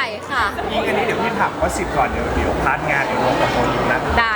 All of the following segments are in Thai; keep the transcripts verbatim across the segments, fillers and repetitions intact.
ค่ะยิงอันนี้เดี๋ยวพี่ถามว่าสิบก่อนเดี๋ยวเดี๋ยวพาร์ทงานเดี๋ยวรวมกับโฟนอยู่นะได้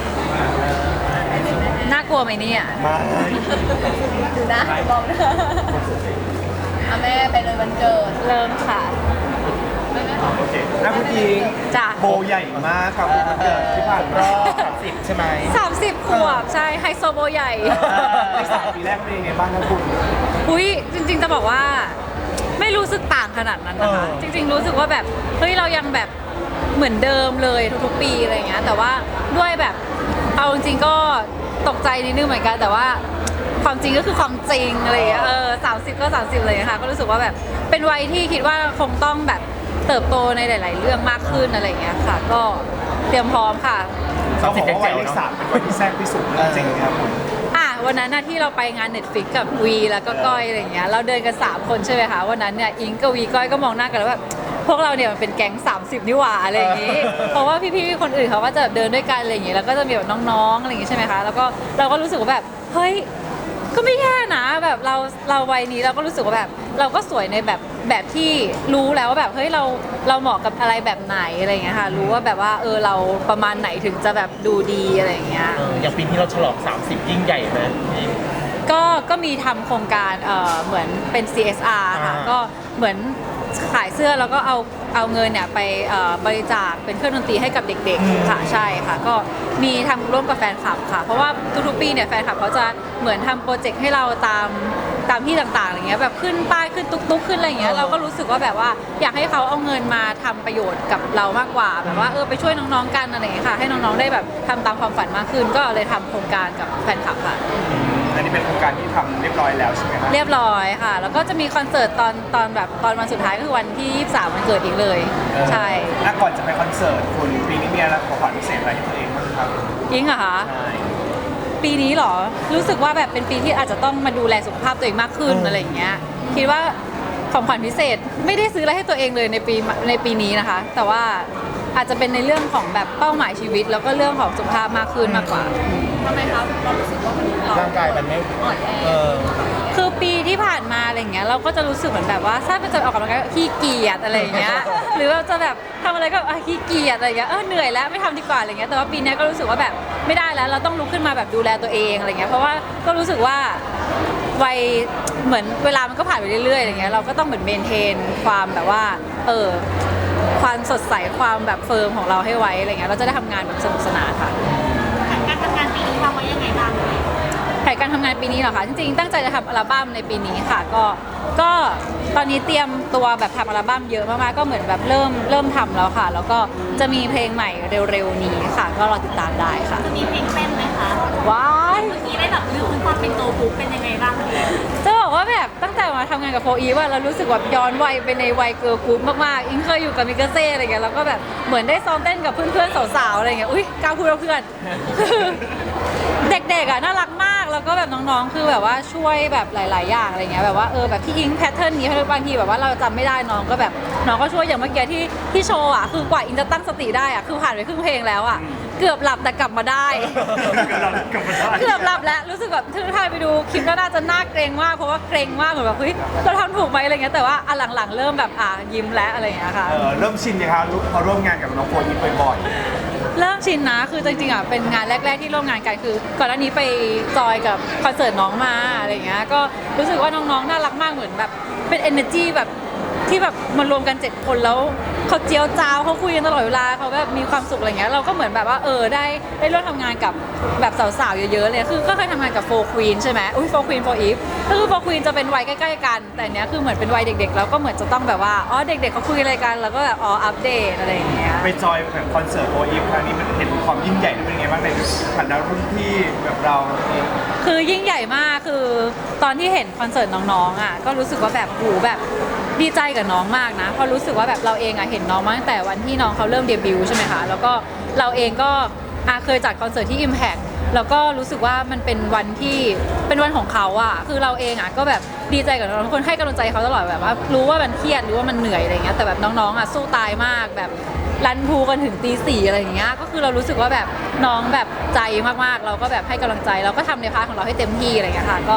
น่ากลัวไหมเนี่ยมาดูนะมองนะเอาแม่ไปเลยวันเกิดเริ่มค่ะโอเคแล้วคุณยิงจ้ะโบใหญ่มากกับวันเกิดที่ผ่านรอบสามสิบใช่ไหมสามสิบขวบใช่ไฮโซโบใหญ่ในสามปีแรกเป็นยังไงบ้างครับคุณอุ้ยจริงๆจะบอกว่าไม่รู้สึกต่างขนาดนั้นนะคะเออจริงๆรู้สึกว่าแบบเฮ้ยเรายังแบบเหมือนเดิมเลยทุกๆปีอะไรเงี้ยแต่ว่าด้วยแบบเอาจริงๆก็ตกใจนิดนึงเหมือนกันแต่ว่าความจริงก็คือความจริงอะไรเงี้ยเออสามสิบก็สามสิบเลยค่ะก็รู้สึกว่าแบบเป็นวัยที่คิดว่าคงต้องแบบเติบโตในหลาย ๆ เรื่องมากขึ้นอะไรเงี้ยค่ะ ก็เตรียมพร้อมค่ะเขาบอกว่าวัยเลขสามเป็นวัยที่แซ่บที่สุดเรื่องจริงครับคุณอ่ะวันนั้นนะที่เราไปงาน Netflix กับวีแล้วก็ก้อยอะไรอย่างเงี้ยเราเดินกันสามคนใช่ไหมคะวันนั้นเนี่ยอิงกับวีก้อยก็มองหน้ากันแล้วแบบพวกเราเนี่ยมันเป็นแก๊งสามสิบนี่หว่าอะไรอย่างงี้ เพราะว่าพี่ๆคนอื่นเขาก็จะเดินด้วยกันอะไรอย่างงี้แล้วก็จะมีแบบน้องๆอะไรอย่างงี้ใช่ไหมคะแล้วก็เราก็รู้สึกว่าแบบเฮ้ยก็ไม่แย่นะแบบเราเราวัยนี้เราก็รู้สึกว่าแบบเราก็สวยในแบบแบบที่รู้แล้วว่าแบบเฮ้ยเราเราเหมาะกับอะไรแบบไหนอะไรอย่างเงี้ยค่ะรู้ว่าแบบว่าเออเราประมาณไหนถึงจะแบบดูดีอะไรอย่างเงี้ยเอออย่างปีที่เราฉลองสามสิบยิ่งใหญ่ไหมพี่ก็ก็มีทำโครงการเอ่อเหมือนเป็น ซี เอส อาร์ ค่ะอ่าก็เหมือนขายเสื้อแล้วก็เอาเอาเงินเนี่ยไปเอ่อบริจาคเป็นเครื่องดนตรีให้กับเด็กๆค่ะใช่ค่ะก็มีทำร่วมกับแฟนคลับค่ะ เพราะว่าทุกๆปีเนี่ยแฟนคลับเขาจะเหมือนทำโปรเจกต์ให้เราตามตามที่ต่างๆอะไรเงี้ยแบบขึ้นป้ายขึ้นตุ๊กๆขึ้นอะไรอย่างเงี้ยเราก็รู้สึกว่าแบบว่าอยากให้เขาเอาเงินมาทำประโยชน์กับเรามากกว่าแบบว่าเออไปช่วยน้องๆกันอะไรอย่างเงี้ยค่ะให้น้องๆได้แบบทำตามความฝันมากขึ้น ก็เลยทำโครงการกับแฟนคลับค่ะอันนี้เป็นโครงการที่ทำเรียบร้อยแล้วใช่ไหมครับเรียบร้อยค่ะ แล้วก็จะมีคอนเสิร์ตตอนตอนแบบตอนวันสุดท้ายก็คือวันที่ยี่สิบสามวันเกิดอีกเลย ใช่แล้วก่อนจะไปคอนเสิร์ตคุณปีนี้มีอะไรของขวัญพิเศษอะไรให้ตัวเองบ้างครับยิงเหรอคะใช่ปีนี้เหรอ รู้สึกว่าแบบเป็นปีที่อาจจะต้องมาดูแลสุขภาพตัวเองมากขึ้นอะไรอย่างเงี้ย คิดว่าของขวัญพิเศษไม่ได้ซื้ออะไรให้ตัวเองเลยในปีในปีนี้นะคะ แต่ว่าอาจจะเป็นในเรื่องของแบบเป้าหมายชีวิต แล้วก็เรื่องของสุขภาพมากขึ้นมากกว่าทำไมครับเรารู้สึกว่ามันเราร่างกายมันไม่อ่อนแอเออคือปีที่ผ่านมาอะไรอย่างเงี้ยเราก็จะรู้สึกเหมือนแบบว่าถ้ามันจะออกกำลังกายก็ขี้เกียจอะไรอย่างเงี้ย หรือเราจะแบบทำอะไรก็อ่ะขี้เกียจอะไรอย่างเงี้ยเออเหนื่อยแล้วไม่ทำดีกว่าอะไรเงี้ยแต่ว่าปีเนี้ยก็รู้สึกว่าแบบไม่ได้แล้วเราต้องลุกขึ้นมาแบบดูแลตัวเองอะไรเงี้ยเพราะว่าก็รู้สึกว่าวัยเหมือนเวลามันก็ผ่านไปเรื่อยๆอะไรเงี้ยเราก็ต้องเหมือนเมนเทนความแบบว่าเออความสดใสความแบบเฟิร์มของเราให้ไว้อะไรเงี้ยเราจะได้ทำงานแบบสนุกสนานค่ะการทำงานปีนี้วางไว้ยังไงบ้างเลยแผนการทำงานปีนี้เหรอคะจริงๆตั้งใจจะทำอัลบั้มในปีนี้ค่ะก็ก็ตอนนี้เตรียมตัวแบบทำอัลบั้มเยอะมากๆก็เหมือนแบบเริ่มเริ่มทำแล้วค่ะ แล้วก็จะมีเพลงใหม่เร็วๆนี้ค่ะ ก็รอติดตามได้ค่ะจะมีเพลงเต้นไหมคะว้ายเมื่อกี้ได้แบบลืมความเป็นโตปุ๊บเป็นยังไงบ้างคะจะบอกว่าแบบตั้งแต่มาทำงานกับโฟอีว่าเรารู้สึกแบบย้อนวัยไปในวัยเกิร์ลกรุ๊ปมากๆอิงเคยอยู่กับมิกาเซ่อะไรเงี้ยแล้วก็แบบเหมือนได้ซ้อมเต้นกับเพื่อนๆสาวๆอะไรเงี้ยอุ้ยกล้าพูดว่าเพื่อน เด็กๆอ่ะน่ารักมากแล้วก็แบบน้องๆ คือแบบว่าช่วยแบบหลาย ๆ อย่างอะไรเงี้ยแบบว่าเออแบบที่อิงแพทเทิร์นนี้ให้บางทีแบบว่าเราจำไม่ได้น้องก็แบบน้องก็ช่วยอย่างเมื่อกี้ที่ที่โชว์อ่ะคือกว่าอิงจะตั้งสติได้อ่ะคือผ่านไปครึ่งเพลงแล้วอ่ะเกือบหลับแต่กลับมาได้กลับมาได้เกือบหลับแล้วรู้สึกแบบถ้าไปดูคลิปแล้วน่าจะน่าเกรงมากเพราะว่าเกรงมากเหมือนแบบเฮ้ยเราทำถูกไหมอะไรเงี้ยแต่ว่าอันหลังๆ เริ่มแบบอ่ะยิ้มแล้วอะไรอย่างเงี้ยค่ะเออเริ่มชินยังครับพอร่วมงานกับน้องโฟนยิปบ่อยเริ่มชินนะ คือจริงๆอ่ะ เป็นงานแรก ๆ ที่ร่วมงานกัน คือก่อนหน้านี้ไปจอยกับคอนเสิร์ตน้องมาอะไรเงี้ย ก็รู้สึกว่าน้องๆ น่ารักมาก เหมือนแบบเป็น energy แบบที่แบบมารวมกันเจ็ดคนแล้วเขาเจียวจ้าวเขาคุยกันตลอดเวลาเขาแบบมีความสุขอะไรเงี้ย เราก็เหมือนแบบว่าเออได้ได้ร่วมทำงานกับแบบสาวๆ เยอะๆ เลย คือก็เคยทำงานกับโฟร์ควีนใช่ไหมอุ้ยโฟร์ควีนโฟร์อีฟก็คือโฟร์ควีนจะเป็นวัยใกล้ๆ กัน แต่เนี้ยคือเหมือนเป็นวัยเด็กๆ แล้วก็เหมือนจะต้องแบบว่า อ๋อ เด็กๆเขาคุยอะไรกัน แล้วก็แบบอ๋อ อัปเดตอะไรอย่างเงี้ยๆ ไปจอยแบบคอนเสิร์ตโฟยิปครั้งนี้มันเห็นความยิ่งใหญ่เป็นไงบ้างในฐานะรุ่นพี่แบบเราคือยิ่งใหญ่มากคือตอนที่เห็นคอนเสิร์ตน้องๆอ่ะก็รู้สึกว่าแบบหูแบบดีใจกับน้องมากนะเพราะรู้สึกว่าแบบเราเองอ่ะเห็นน้องมาตั้งแต่วันที่น้องเขาเริ่มเดบิวต์ใช่ไหมคะแล้วก็เราเองก็อ่ะเคยจัดคอนเสิร์ตที่ Impact แล้วก็รู้สึกว่ามันเป็นวันที่เป็นวันของเขาอ่ะคือเราเองอ่ะก็แบบดีใจกับน้องทุกคนให้กำลังใจเขาตลอดแบบว่ารู้ว่ามันเครียดหรือว่ามันเหนื่อยอะไรเงี้ยแต่แบบน้องๆอ่ะสู้ตายมากแบบรันพูกันถึงตีสี่อะไรอย่างเงี้ยก็คือเรารู้สึกว่าแบบน้องแบบใจมากๆ เราก็แบบให้กำลังใจเราก็ทำในพาร์ทของเราให้เต็มที่อะไรเงี้ยค่ะก็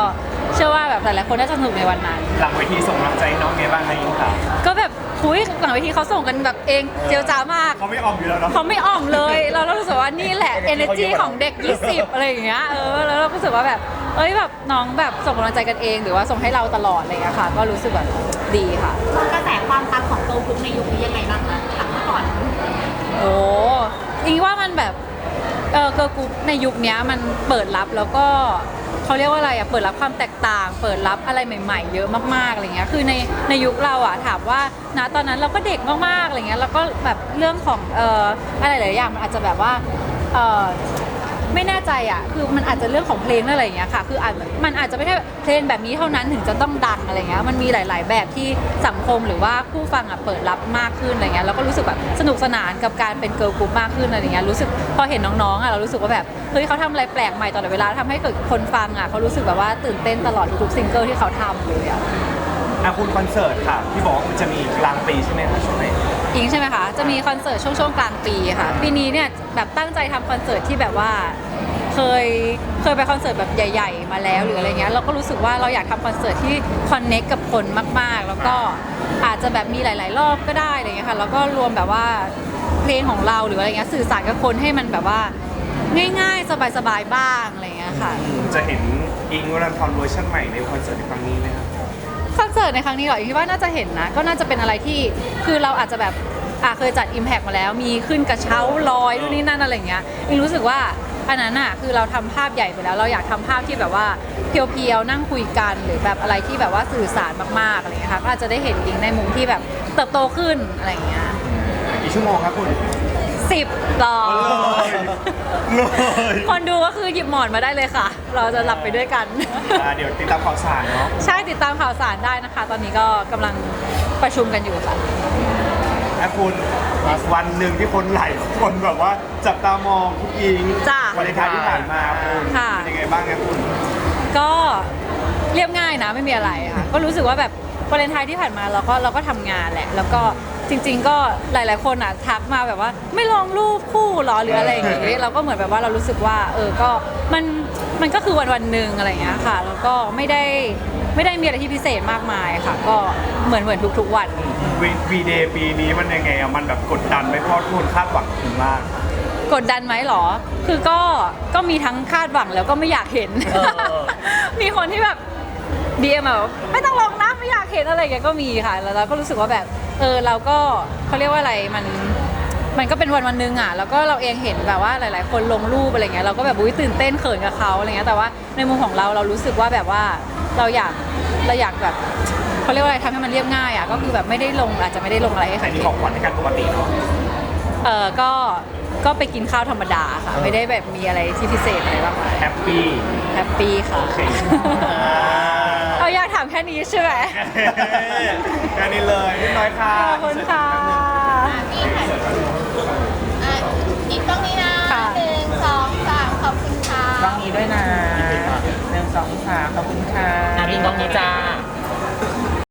เชื่อว่าแบบหลายๆคนน่าจะสนุกในวันนั้นหลังเวทีส่งกำลังใจให้น้องไงบ้างคะอิงค่ะก็แบบคุยหลังเวทีเขาส่งกันแบบเองเจียวจ้ามากเขาไม่ออมอยู่แล้วเนาะเขาไม่อ่อมเลย เราเรารู้สึกว่านี่แหละ energy ของเด็ก ยี่สิบ อะไรอย่างเงี้ย เออ แล้วเราก็รู้สึกว่าแบบ เอ้ยแบบน้องแบบส่งกำลังใจกันเอง หรือว่าส่งให้เราตลอดอะไรอย่างเงี้ยค่ะ ก็รู้สึกแบบดีค่ะกระแสความปังของเกิร์ลกรุ๊ปในยุคนี้ยังไงบ้างคะถามเมื่อก่อนโอ้อิงว่ามันแบบ เออเกิร์ลกรุ๊ปในยุคนี้มันเปิดรับแล้วก็เขาเรียกว่าอะไรอะเปิดรับความแตกต่าง เปิดรับอะไรใหม่ๆ เยอะมากๆอะไรเงี้ยคือในในยุคเราอะถามว่าณตอนนั้นเราก็เด็กมากๆอะไรเงี้ยแล้วก็แบบเรื่องของเอ่ออะไรหลายอย่างมันอาจจะแบบว่าเอ่อไม่แน่ใจอ่ะคือมันอาจจะเรื่องของเพลงอะไรอย่างเงี้ยค่ะคืออาจมันอาจจะไม่ใช่เพลงแบบนี้เท่านั้นถึงจะต้องดังอะไรเงี้ยมันมีหลาย ๆ แบบที่สังคมหรือว่าผู้ฟังอ่ะเปิดรับมากขึ้นอะไรเงี้ยแล้วก็รู้สึกแบบสนุกสนานกับการเป็นเกิร์ลกรุ๊ปมากขึ้นอะไรเงี้ยรู้สึกพอเห็นน้องๆอ่ะเรารู้สึกว่าแบบเฮ้ยเขาทำอะไรแปลกใหม่ตลอดเวลาทำให้เกิดคนฟังอ่ะเขารู้สึกแบบว่าตื่นเต้นตลอดทุกๆซิงเกิลที่เขาทำเลยอ่ะอ่ะคุณคอนเสิร์ตค่ะที่บอกว่ามันจะมีกลางปีใช่ไหมคะช่วงไหนอิงใช่ไหมคะ จะมีคอนเสิร์ตช่วงช่วงกลางปีค่ะ ปีนี้เนี่ยแบบตั้งใจทำคอนเสิร์ตที่แบบว่าเคยเคยไปคอนเสิร์ตแบบใหญ่ ๆ มาแล้วหรืออะไรเงี้ยเราก็รู้สึกว่าเราอยากทำคอนเสิร์ตที่คอนเน็กกับคนมากๆ แล้วก็อาจจะแบบมีหลาย ๆ รอบก็ได้อะไรเงี้ยค่ะแล้วก็รวมแบบว่าเพลงของเราหรืออะไรเงี้ยสื่อสารกับคนให้มันแบบว่าง่ายๆ สบายๆบ้างอะไรเงี้ยค่ะจะเห็นอิงวรันทรเวอร์ชันใหม่ในคอนเสิร์ตในครั้งนี้ไหมครับคอนเสิร์ตในครั้งนี้เหรอคิดว่าน่าจะเห็นนะ ก็น่าจะเป็นอะไรที่คือเราอาจจะแบบอ่ะเคยจัด Impact มาแล้ว มีขึ้นกระเช้าลอยนู่นนี่นั่นอะไรอย่างเงี้ยอิงรู้สึกว่าอันนั้นอ่ะคือเราทำภาพใหญ่ไปแล้ว เราอยากทำภาพที่แบบว่าเพียวๆนั่งคุยกันหรือแบบอะไรที่แบบว่าสื่อสารมากๆอะไรอย่างเงี้ยค่ะก็อาจจะได้เห็นอิงในมุมที่แบบเติบโตขึ้นอะไรอย่างเงี้ยกี่ชั่วโมงครับคุณสิบต่อเลยเลยคนดูก็คือหยิบหมอนมาได้เลยค่ะ เราจะหลับไปด้วยกันอ่าเดี๋ยวติดตามข่าวสารเนาะใช่ติดตามข่าวสารได้นะคะ ตอนนี้ก็กำลังประชุมกันอยู่ค่ะและคุณอีกวันหนึ่งที่คนหลายคนแบบว่าจับตามองคุณอิงจ้ะวันเลนไทน์ที่ผ่านมาคุณค่ะเป็นยังไงบ้างครับคุณก็เรียบง่ายนะไม่มีอะไรค่ะ ก็รู้สึกว่าแบบวาเลนไทน์ที่ผ่านมาเราก็เราก็ทำงานแหละ แล้วก็จริง ๆ ก็หลาย ๆ คนอ่ะทักมาแบบว่าไม่ลงรูปคู่หรอหรืออะไรอย่างงี้เราก็เหมือนแบบว่าเรารู้สึกว่าเออก็มันมันก็คือวันวันๆหนึ่งอะไรอย่างเงี้ยค่ะ แล้วก็ไม่ได้ไม่ได้มีอะไรที่พิเศษมากมายค่ะ ก็เหมือนเหมือนทุก ๆ วันวีเดย์ปีนี้มันยังไงอะมันแบบกดดันไหมเพราะทุกคนคาดหวังคุณมากกดดันไหมหรอ คือก็ก็มีทั้งคาดหวังแล้วก็ไม่อยากเห็นเออมีคนที่แบบดีเอ็มแบบไม่ต้องลงนะไม่อยากเห็นอะไรอย่างเงี้ยก็มีค่ะ แล้วเราก็รู้สึกว่าแบบเออเราก็เขาเรียกว่าอะไรมันมันก็เป็นวันวันหนึงอ่ะแล้วก็เราเองเห็นแบบว่าหลาย ๆ คนลงรูปอะไรเงี้ยเราก็แบบอุ้ยตื่นเต้นเขินกับเขาอะไรเงี้ยแต่ว่าในมุมของเราเรารู้สึกว่าแบบว่าเราอยากเราอยากแบบเขาเรียกว่าอะไรทำให้มันเรียบง่ายอ่ะก็คือแบบไม่ได้ลงอาจจะไม่ได้ลงอะไรให้ใครแต่นี่เห็ขอน งขวัญในการปกติเนาะเออก็ก็ไปกินข้าวธรรมดาค่ะ ไม่ได้แบบมีอะไรที่พิเศษอะไรบ้างมายแฮปปี้แฮปปี้ค่ะโอเคเอาอยากถามแค่นี้ใช่ไหมแค่นี้เลยนิดน้อยค่ะขอบคุณค่ะอ่ะนี่ค่ะอ่ะอีกต้อง